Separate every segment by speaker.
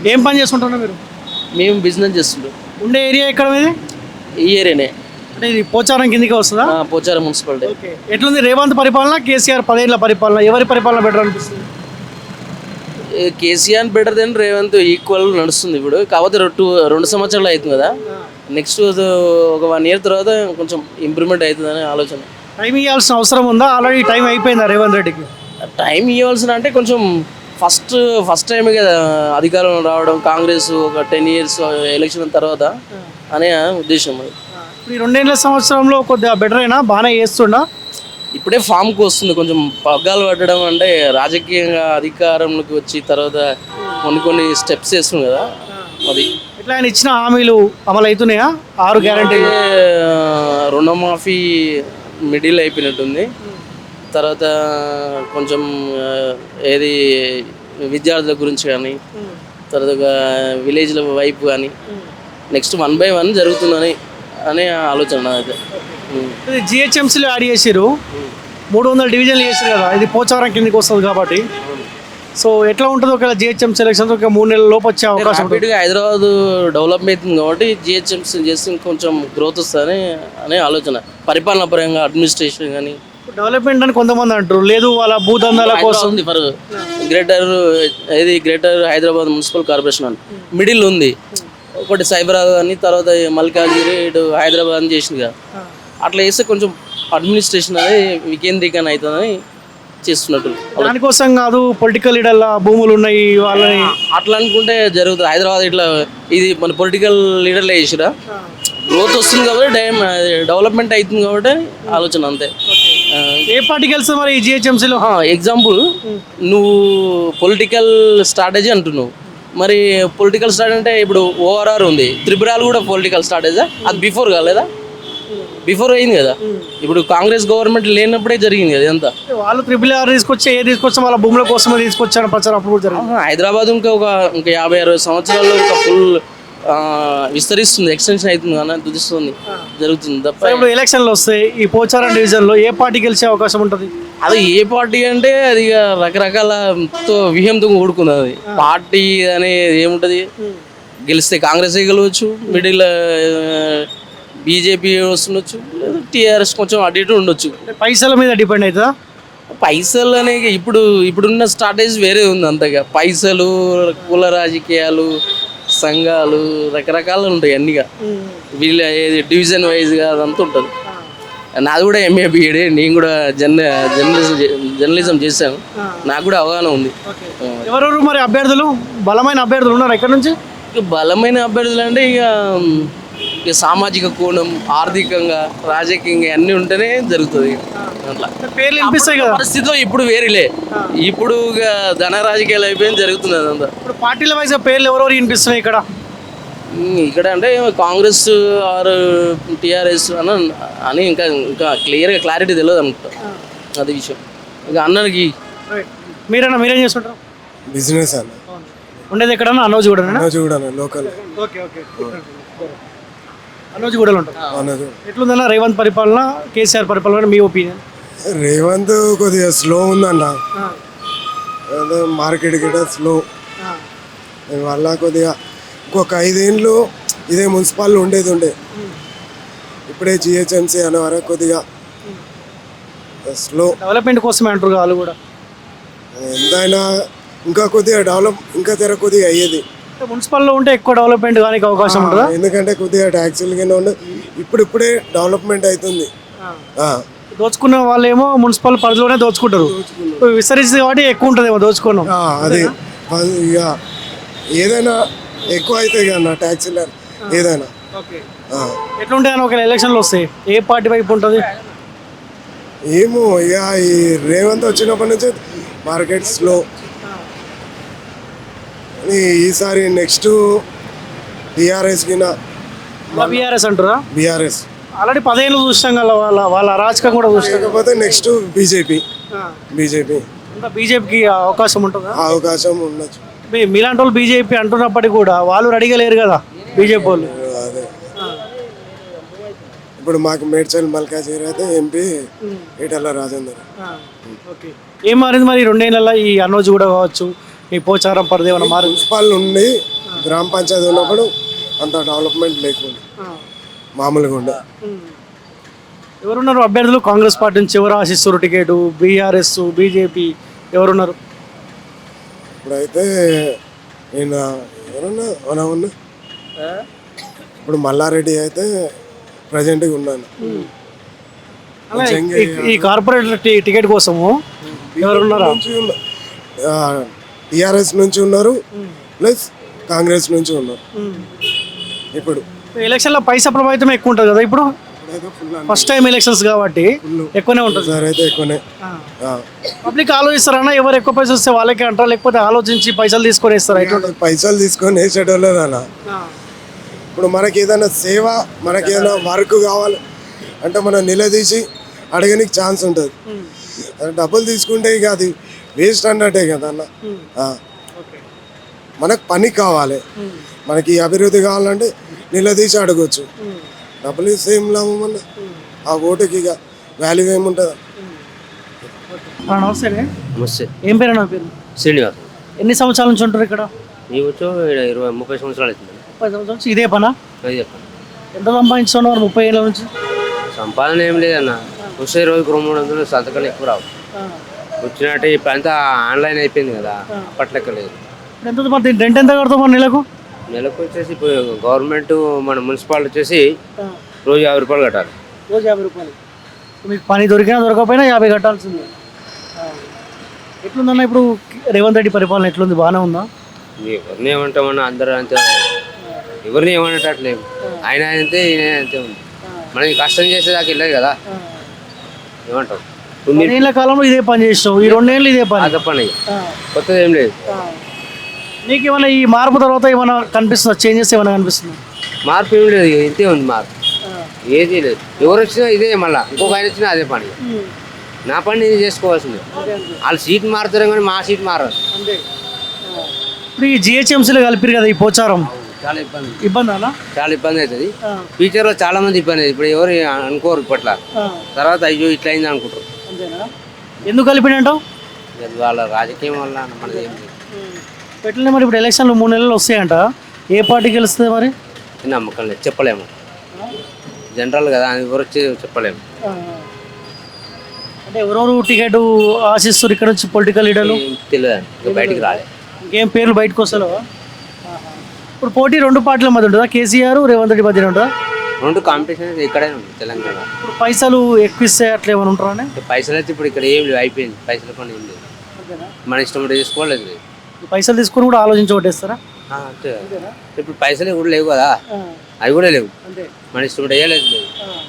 Speaker 1: ఏం పని చేస్తుంటున్నారు మీరు?
Speaker 2: మేము బిజినెస్ చేస్తుంటాం.
Speaker 1: ఉండే ఏరియా ఎక్కడ మీది?
Speaker 2: ఈ ఏరియానే,
Speaker 1: అంటే ఇది పోచారం కిందకి వస్తుందా?
Speaker 2: పోచారం మున్సిపాలిటీ.
Speaker 1: ఓకే. ఎట్లుంది రేవంత్ పరిపాలన, కేసీఆర్ 10 ఏళ్ల పరిపాలన, ఎవరి పరిపాలన బెటర్ అనిపిస్తుంది?
Speaker 2: KCR better than Revanth, equal నడుస్తుంది ఇప్పుడు. కాకపోతే 2 సంవత్సరాలు అవుతుంది కదా, నెక్స్ట్ ఒక 1 ఇయర్ తర్వాత కొంచెం ఇంప్రూవ్మెంట్ అవుతుందని ఆలోచన.
Speaker 1: టైం ఇవ్వాల్సిన అవసరం ఉందా? ఆల్రెడీ టైం అయిపోయిందా రేవంత్ రెడ్డికి?
Speaker 2: టైం ఇవ్వాల్సిన అంటే కొంచెం ఫస్ట్ టైం కదా అధికారంలో రావడం, కాంగ్రెస్ ఒక 10 ఇయర్స్ ఎలక్షన్ తర్వాత అనే ఉద్దేశం. అది
Speaker 1: ఇప్పుడు ఈ 2 సంవత్సరంలో కొద్దిగా బెటర్ అయినా బాగానే చేస్తుండా?
Speaker 2: ఇప్పుడే ఫామ్కి వస్తుంది, కొంచెం పగ్గాలు పట్టడం అంటే రాజకీయంగా అధికారంలోకి వచ్చి తర్వాత కొన్ని స్టెప్స్ వేస్తుంది కదా, అది.
Speaker 1: ఇట్లా ఆయన ఇచ్చిన హామీలు అమలు అవుతున్నాయా? 6 గ్యారెంటీలు.
Speaker 2: రుణమాఫీ మిడిల్ అయిపోయినట్టుంది. తర్వాత కొంచెం ఏది విద్యార్థుల గురించి కానీ, తర్వాత విలేజ్ల వైపు కానీ నెక్స్ట్ 1 by 1 జరుగుతుందని అనే ఆలోచన అయితే.
Speaker 1: జిహెచ్ఎంసీలో యాడ్ చేసారు, 300 డివిజన్లు చేసారు కదా, ఇది పోచారం కిందకి వస్తుంది కాబట్టి. సో ఎట్లా ఉంటుంది ఒకవేళ జిహెచ్ఎంసీ ఎలక్షన్స్ ఒక 3 నెలల లోపు వచ్చే అవకాశం?
Speaker 2: ర్యాపిడ్గా హైదరాబాద్ డెవలప్ అవుతుంది కాబట్టి జిహెచ్ఎంసీ చేస్తే కొంచెం గ్రోత్ వస్తుందని అనే ఆలోచన. పరిపాలన పరంగా అడ్మినిస్ట్రేషన్ కానీ
Speaker 1: డెవలప్మెంట్ అని కొంతమంది అంటారు, లేదు వాళ్ళ భూదందాల కోసం.
Speaker 2: For greater Hyderabad municipal corporation అని మిడిల్ ఉంది, ఒకటి సైబరాబాద్ అని, తర్వాత మల్కాజ్గిరి ఇటు హైదరాబాద్ అని చేసింది కదా. అట్లా చేస్తే కొంచెం అడ్మినిస్ట్రేషన్ అనేది వికేంద్రీకరణ అవుతుందని చేస్తున్నట్టు.
Speaker 1: దానికోసం కాదు, పొలిటికల్ లీడర్ల భూములు ఉన్నాయి వాళ్ళని
Speaker 2: అట్లా అనుకుంటే జరుగుతుంది. హైదరాబాద్ ఇట్లా ఇది మన పొలిటికల్ లీడర్లే చేసిరా, గ్రోత్ వస్తుంది కాబట్టి డెవలప్మెంట్ అవుతుంది కాబట్టి ఆలోచన అంతే.
Speaker 1: ఏ పార్టీ గెలుస్తుంది మరి ఈ జిహెచ్ఎంసీలో?
Speaker 2: ఎగ్జాంపుల్, నువ్వు పొలిటికల్ స్ట్రాటజీ అంటున్నావు, మరి పొలిటికల్ స్ట్రాటజీ అంటే ఇప్పుడు ఓఆర్ఆర్ ఉంది, త్రిపురాలు కూడా పొలిటికల్ స్ట్రాటజీ. అది బిఫోర్ కాలేదా? బిఫోర్ అయింది కదా. ఇప్పుడు కాంగ్రెస్ గవర్నమెంట్ లేనప్పుడే జరిగింది కదా ఇదంతా.
Speaker 1: వాళ్ళు RRR తీసుకొచ్చి వాళ్ళ భూముల కోసమే తీసుకొచ్చారు ప్రచారం అప్పుడు కూడా జరిగింది.
Speaker 2: హైదరాబాద్ ఇంకా 50-60 సంవత్సరాల్లో ఇంకా ఫుల్ విస్తరిస్తుంది, ఎక్స్టెన్షన్ అవుతుంది కానీ దుదిస్తుంది జరుగుతుంది తప్ప.
Speaker 1: ఇప్పుడు ఎలక్షన్లు వస్తాయి, ఈ పోచారం డివిజన్లో ఏ పార్టీ గెలిచే అవకాశం ఉంటుంది?
Speaker 2: అది ఏ పార్టీ అంటే అది రకరకాల వ్యూహంతో కూడుకుంది. అది పార్టీ అనేది ఏముంటుంది, గెలిస్తే కాంగ్రెస్ గెలవచ్చు, మిడిల్ బీజేపీ వస్తుండొచ్చు, లేదా టీఆర్ఎస్ కొంచెం అటు ఇటు ఉండొచ్చు.
Speaker 1: పైసల మీద డిపెండ్ అవుతుందా?
Speaker 2: పైసలు అనేది ఇప్పుడున్న స్ట్రాటజీ వేరే ఉంది అంతగా. పైసలు, కుల రాజకీయాలు, సంఘాలు రకరకాలు ఉంటాయి అన్నిగా. వీళ్ళ ఏది డివిజన్ వైజ్గా అదంతా ఉంటుంది. నాది కూడా MA BEd, నేను కూడా జర్నలిజం చేశాను, నాకు కూడా అవగాహన ఉంది.
Speaker 1: ఎవరెవరు మరి అభ్యర్థులు, బలమైన అభ్యర్థులు ఉన్నారు ఎక్కడి నుంచి?
Speaker 2: బలమైన అభ్యర్థులు అంటే ఇక సామాజిక కోణం, ఆర్థికంగా, రాజకీయంగా అన్నీ ఉంటేనే జరుగుతుంది. అట్లా
Speaker 1: పేర్లు వినిపిస్తాయి కదా.
Speaker 2: పరిస్థితిలో ఇప్పుడు వేరేలే, ఇప్పుడు ధన రాజకీయాలు అయిపోయింది జరుగుతుంది అదంతా.
Speaker 1: ఇప్పుడు పార్టీల వైజ్ పేర్లు ఎవరెవరు వినిపిస్తున్నాయి ఇక్కడ
Speaker 2: అంటే కాంగ్రెస్ ఆర్ టీఆర్ఎస్ అని ఇంకా క్లియర్గా క్లారిటీ తెలియదు అనుకుంటా, అది విషయం. ఇంకా అన్నకి
Speaker 1: మీరేం చేస్తుంటారు?
Speaker 3: బిజినెస్ అన్న.
Speaker 1: ఉండేది ఎక్కడన్నా?
Speaker 3: అనోజుగూడ లోకల్.
Speaker 1: ఓకే. అనోజుగూడలో ఉంటారు. ఎట్లుందన్న రేవంత్ పరిపాలన, కేసీఆర్ పరిపాలన మీ ఒపీనియన్?
Speaker 3: రేవంత్ కొద్దిగా స్లో ఉందన్న, మార్కెట్ గిట స్లో. దానివల్ల కొద్దిగా ఇంకొక 5 ఏళ్ళు ఇదే మున్సిపాలిటీ ఉండే ఇప్పుడే జిహెచ్ఎంసీ అనే వరకు కొద్దిగా స్లో.
Speaker 1: డెవలప్మెంట్ కోసమే అంటారు వాళ్ళు కూడా.
Speaker 3: ఎంతైనా ఇంకా కొద్దిగా డెవలప్ ఇంకా కొద్దిగా అయ్యేది.
Speaker 1: మున్సిపల్లో ఉంటే ఎక్కువ డెవలప్మెంట్ కానీ అవకాశం ఉంటుందా?
Speaker 3: ఎందుకంటే కొద్దిగా ట్యాక్సీలు కింద ఉండే ఇప్పుడే డెవలప్మెంట్ అవుతుంది.
Speaker 1: దోచుకున్న వాళ్ళు ఏమో మున్సిపల్ పరిధిలోనే దోచుకుంటారు, విస్తరిస్తుంది కాబట్టి ఎక్కువ ఉంటుందేమో దోచుకున్నాం.
Speaker 3: అది ఇక ఏదైనా ఎక్కువ అవుతాయి కదా ట్యాక్సీలు ఏదైనా.
Speaker 1: ఎట్లుంటాయి అని ఒక ఎలక్షన్లు వస్తాయి, ఏ పార్టీ వైపు ఉంటుంది
Speaker 3: ఏమో. ఇక ఈ రేవంత్ వచ్చినప్పటి నుంచి మార్కెట్ స్లో. ఈసారి నెక్స్ట్ బీఆర్ఎస్ కింద.
Speaker 1: బీఆర్ఎస్ అంటారా?
Speaker 3: బీఆర్ఎస్
Speaker 1: ఆల్రెడీ 10 ఏళ్ళు చూస్తాం కదా, వాళ్ళ అరాచకం కూడా చూస్తాం.
Speaker 3: కాకపోతే నెక్స్ట్ బీజేపీ
Speaker 1: బీజేపీకి అవకాశం ఉంటుందా?
Speaker 3: అవకాశం ఉండొచ్చు.
Speaker 1: మీలాంటి వాళ్ళు బీజేపీ అంటున్నప్పటికీ కూడా వాళ్ళు రెడీగా లేరు కదా బీజేపీ వాళ్ళు.
Speaker 3: అదే ఇప్పుడు మాకు మేడ్చల్ మల్కాజ్గిరి అయితే MP ఈటెల రాజేందర్.
Speaker 1: ఏం మారింది మరి 2 ఏళ్ళ ఈ అనోజుగూడ కావచ్చు, ఈ పోచారం పరిధి ఏమైనా మారింది?
Speaker 3: మున్సిపాల్ ఉండి గ్రామ పంచాయతీ ఉన్నప్పుడు అంత డెవలప్మెంట్ లేకుండా మామూలుగా ఉండే.
Speaker 1: ఎవరున్నారు అభ్యర్థులు కాంగ్రెస్ పార్టీ నుంచి? ఎవరు ఆశిస్తారు టికెట్? బీఆర్ఎస్, బీజేపీ ఎవరున్నారు?
Speaker 3: ఇప్పుడైతే నేను ఎవరన్నా ఉన్నా ఇప్పుడు మల్లారెడ్డి అయితే ప్రజెంట్గా ఉన్నాను.
Speaker 1: ఈ కార్పొరేటర్ టికెట్ కోసము ఎవరున్నారా?
Speaker 3: టిఆర్ఎస్ నుంచి ఉన్నారు, ప్లస్ కాంగ్రెస్ నుంచి ఉన్నారు. ఇప్పుడు
Speaker 1: ఎలక్షన్లో పైసా ప్రభావితం ఎక్కువ ఉంటుంది కదా. ఇప్పుడు ఫస్ట్ టైం ఎలక్షన్స్ కాబట్టి ఎక్కువనే ఉంటుంది.
Speaker 3: సార్ అయితే ఎక్కువనే
Speaker 1: పబ్లిక్ ఆలోచిస్తారన్నా ఎవరు ఎక్కువ పైసలు వస్తే వాళ్ళకే అంటారా, లేకపోతే ఆలోచించి పైసలు తీసుకొని ఇస్తారా? ఇట్లా
Speaker 3: పైసలు తీసుకొని వేసేటోళ్ళు అన్న. ఇప్పుడు మనకి ఏదైనా సేవ, మనకి ఏదైనా వర్క్ కావాలి అంటే మనం నిలదీసి అడగనికి ఛాన్స్ ఉంటుంది. డబ్బులు తీసుకుంటే ఇక అది వేస్ట్ అన్నట్టే కదా అన్న. మనకు పని కావాలి, మనకి అభివృద్ధి కావాలంటే నిలదీసి అడగొచ్చు. డబ్బులు ఇస్తే ఏం లాభం అన్న, ఆ ఓటుకి ఇక వాల్యూ ఏముంటుంది.
Speaker 1: నమస్తే.
Speaker 4: నమస్తే.
Speaker 1: ఏం పేరు? నా పేరు
Speaker 4: శ్రీనివాస్.
Speaker 1: ఎన్ని సంవత్సరాల నుంచి ఉంటారు ఇక్కడ?
Speaker 4: నీ వచ్చో 20-30 సంవత్సరాలు అవుతుంది.
Speaker 1: 30 సంవత్సరాల నుంచి ఇదే పనా?
Speaker 4: అది చెప్పండి.
Speaker 1: ఎంత సంపాదించుకున్నారు 30 ఏళ్ళ నుంచి?
Speaker 4: సంపాదన ఏం లేదన్న, వచ్చే రోజుకు 200-300 సంతకాలు ఎక్కువ రావు. వచ్చినట్టు ఇప్పుడు అంతా ఆన్లైన్ అయిపోయింది కదా, అప్పట్లెక్క లేదు.
Speaker 1: ఎంత మరి రెంట్ ఎంత కడతాం మన నెలకు?
Speaker 4: నెలకు వచ్చేసి ఇప్పుడు గవర్నమెంట్ మన మున్సిపాలిటీ వచ్చేసి రోజు 50 రూపాయలు కట్టాలి.
Speaker 1: రోజు 50 రూపాయలు. మీకు పని దొరికినా దొరకపోయినా 50 కట్టాల్సిందే. ఎట్లుందన్న ఇప్పుడు రేవంత్ రెడ్డి పరిపాలన ఎట్లుంది? బాగానే ఉందా?
Speaker 4: ఎవరిని ఏమంటామన్నా, అందరూ అంతే ఉన్నారు. ఎవరిని ఏమనేటట్లేము. ఆయన అంతే, ఈయన అంతే ఉంది. మనకి కష్టం చేసేదాకా వెళ్ళదు కదా, ఏమంటాం.
Speaker 1: 2 ఏళ్ళ కాలంలో ఇదే పని చేసినావు, ఈ 2 ఏళ్ళు ఇదే పని.
Speaker 4: అదే పని, కొత్తది ఏం లేదు.
Speaker 1: నీకు ఏమైనా ఈ మార్పు తర్వాత ఏమైనా కనిపిస్తుందా? చేంజెస్ ఏమైనా కనిపిస్తుందా?
Speaker 4: మార్పు ఏం లేదు, ఇంతే ఉంది మార్పు, ఏది లేదు. ఎవరు వచ్చినా ఇదే, మళ్ళీ ఇంకొక ఆయన వచ్చినా అదే పని. నా పని నేను చేసుకోవాల్సిందే. వాళ్ళు సీట్ మారుతారు కానీ మా సీట్ మారదు.
Speaker 1: ఇప్పుడు ఈ జిహెచ్ఎంసీలో కలిపిరు కదా ఈ పోచారం,
Speaker 4: చాలా ఇబ్బంది.
Speaker 1: ఇబ్బంది అలా
Speaker 4: చాలా ఇబ్బంది అవుతుంది. ఫ్యూచర్లో చాలా మంది ఇబ్బంది అవుతుంది. ఇప్పుడు ఎవరు అనుకోరు ఇప్పట్లా, తర్వాత అయ్యో ఇట్లా అయింది అనుకుంటారు.
Speaker 1: ఎందుకు కలిపినంటావు?
Speaker 4: వాళ్ళ రాజకీయం వల్ల మనది ఏం లేదు.
Speaker 1: పెట్టలే మరి. ఇప్పుడు ఎలక్షన్లు 3 నెలలు వస్తాయంట, ఏ పార్టీ గెలుస్తుంది మరి?
Speaker 4: నమ్మకం లేదు, చెప్పలేము. జనరల్ కదా, ఎవరు వచ్చి చెప్పలేము.
Speaker 1: అంటే ఎవరెవరు టికెట్ ఆశిస్తారు ఇక్కడ నుంచి పొలిటికల్ లీడర్లు?
Speaker 4: తెలియదు, ఇంకా బయటికి రాలేదు.
Speaker 1: ఇంకేం పేర్లు బయటకు వస్తలేవా? ఇప్పుడు పోటీ 2 పార్టీల మధ్య ఉంటుందా? కేసీఆర్, రేవంత్ రెడ్డి మధ్య ఉంటుందా?
Speaker 4: 2 కాంపిటీషన్ ఇక్కడే ఉంది తెలంగాణ.
Speaker 1: ఇప్పుడు పైసలు ఎక్కువ ఇస్తే అట్లా ఏమైనా ఉంటారా?
Speaker 4: పైసలు అయితే ఇప్పుడు ఇక్కడ ఏం లేవు, అయిపోయింది. పైసల పని ఏం లేదు, మన ఇష్టం చేసుకోలేదు.
Speaker 1: పైసలు తీసుకొని కూడా ఆలోచించి ఓటేస్తారా?
Speaker 4: అంతే. ఇప్పుడు పైసలు కూడా లేవు కదా, అవి కూడా లేవు. మన ఇష్టం వేయలేదు లేదు.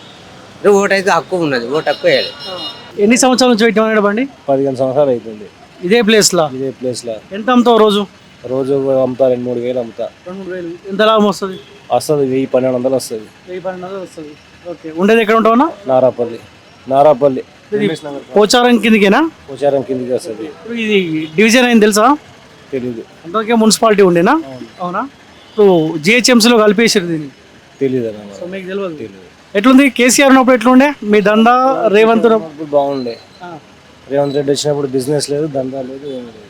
Speaker 4: ఓటు అయితే హక్కు ఉన్నది, ఓటు హక్కు వేయాలి.
Speaker 1: ఎన్ని సంవత్సరాల నుంచి పెట్టమన్నాడు బండి?
Speaker 5: 15 సంవత్సరాలు అవుతుంది.
Speaker 1: ఇదే ప్లేస్లో?
Speaker 5: ఇదే ప్లేస్లో.
Speaker 1: ఎంత అమ్ముతావు రోజు?
Speaker 5: రోజు అమ్ముతా 2-3 వేలు అమ్ముతా.
Speaker 1: 2-3 వేలు. ఎంత లాభం వస్తుంది?
Speaker 5: వస్తుంది 1000-1200 వస్తుంది.
Speaker 1: 1000-1200 వస్తుంది. ఓకే. ఉండేది ఎక్కడ ఉంటావునా?
Speaker 5: నారాపల్లి
Speaker 1: పోచారం కిందికేనా?
Speaker 5: పోచారం కిందికి వస్తుంది.
Speaker 1: ఇది డివిజన్ అయింది తెలుసా?
Speaker 5: తెలీదు.
Speaker 1: అంతకే మున్సిపాలిటీ ఉండేనా? అవునా? ఇప్పుడు జిహెచ్ఎంసీలో కలిపేసారు దీన్ని.
Speaker 5: తెలీదు.
Speaker 1: సో మీకు తెలియదు. ఎట్లుంది కేసీఆర్ ఉన్నప్పుడు ఎట్లుండే మీ దందా? రేవంత్
Speaker 5: ఉన్నప్పుడు బాగుండే. రేవంత్ రెడ్డి వచ్చినప్పుడు బిజినెస్ లేదు, దందా లేదు, ఏం లేదు.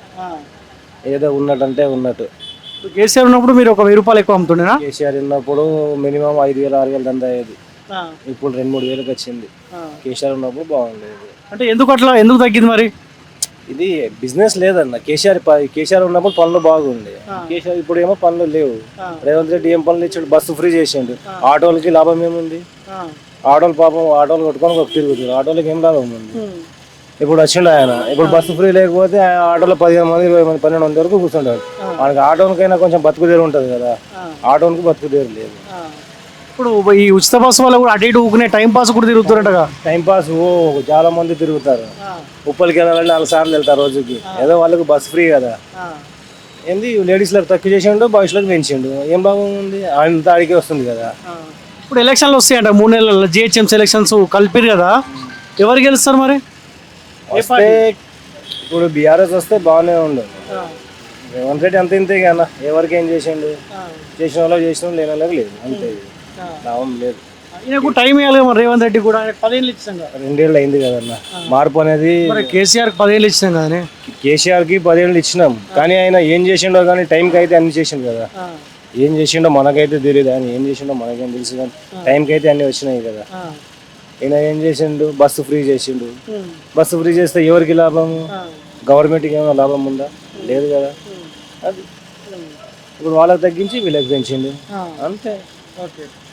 Speaker 5: ఏదో ఉన్నట్టంటే ఉన్నట్టు.
Speaker 1: కేసీఆర్ ఉన్నప్పుడు మీరు ఒక 1000 రూపాయలు ఎక్కువ అమ్ముతుండేనా?
Speaker 5: కేసీఆర్ ఉన్నప్పుడు మినిమం 5000-6000 దందా అయ్యేది. ఇప్పుడు 2-3 వేలకు వచ్చింది. కేసీఆర్ ఉన్నప్పుడు బాగుండేది.
Speaker 1: అంటే ఎందుకు తగ్గింది మరి?
Speaker 5: ఇది బిజినెస్ లేదన్న. కేసీఆర్ ఉన్నప్పుడు పనులు బాగుండే. కేసీఆర్ ఇప్పుడు ఏమో పనులు లేవు. రేవంత్ రెడ్డి ఏం పనులు ఇచ్చాడు? బస్సు ఫ్రీ చేసిండు. ఆటోలకి లాభం ఏముంది? ఆటోలు పాపం ఆటోలు కొట్టుకొని తిరుగుతుంది. ఆటోలకి ఏం లాభం ఉంది? ఇప్పుడు వచ్చిండు ఆయన. ఇప్పుడు బస్సు ఫ్రీ లేకపోతే ఆటోలో 15 మంది 20 మంది 12 మంది వరకు కూర్చుంటాడు. మనకి ఆటోనికైనా కొంచెం బతుకుదేరు ఉంటుంది కదా, ఆటోనికి బతుకుదేరు లేదు.
Speaker 1: ఇప్పుడు ఈ ఉచిత బస్సు వల్ల కూడా అటు ఇటు ఊకునే టైం పాస్ కూడా తిరుగుతున్నట్టుగా.
Speaker 5: టైం పాస్ చాలా మంది తిరుగుతారు. ఉప్పలకి వెళ్ళాలంటే 4 సార్లు వెళ్తారు రోజుకి. ఏదో వాళ్ళకి బస్ ఫ్రీ కదా. ఏంది లేడీస్లకు తక్కువ చేసిండు, బాయ్స్లకు పెంచిండు. ఏం బాగుంది? అంత అడిగి వస్తుంది కదా.
Speaker 1: ఇప్పుడు ఎలక్షన్లు వస్తాయంట 3 నెలల్లో, జిహెచ్ఎంసీ ఎలక్షన్స్ కలిపిరు కదా, ఎవరు గెలుస్తారు మరి?
Speaker 5: వస్తే ఇప్పుడు బీఆర్ఎస్ వస్తే బాగానే ఉండు. రేవంత్ రెడ్డి అంత ఇంతే కదా, ఎవరికి ఏం చేసిండు? చేసిన వాళ్ళకి చేసిన, లేని వాళ్ళకి లేదు, అంతే. లాభం లేదు.
Speaker 1: ఈయనకు టైం ఇవ్వాలి కదా మరి రేవంత్ రెడ్డి కూడా, ఆయనకు 10 ఏళ్ళు ఇచ్చాం కదా.
Speaker 5: 2 ఏళ్ళు అయింది కదన్న. మార్పు అనేది
Speaker 1: మరి కేసీఆర్కి 10 ఏళ్ళు ఇచ్చాం కదనే.
Speaker 5: కేసీఆర్కి 10 ఏళ్ళు ఇచ్చినాం, కానీ ఆయన ఏం చేసిండో కానీ టైంకి అయితే అన్ని చేసిండు కదా. ఏం చేసిండో మనకైతే తెలియదు, ఆయన ఏం చేసిండో మనకేం తెలుసు, కానీ టైంకి అయితే అన్ని వచ్చినాయి కదా. ఈయన ఏం చేసిండు, బస్సు ఫ్రీ చేసిండు. బస్సు ఫ్రీ చేస్తే ఎవరికి లాభము? గవర్నమెంట్కి ఏమైనా లాభం ఉందా? లేదు కదా. అది ఇప్పుడు వాళ్ళకి తగ్గించి వీళ్ళకి పెంచిండు అంతే.
Speaker 1: ఓకే.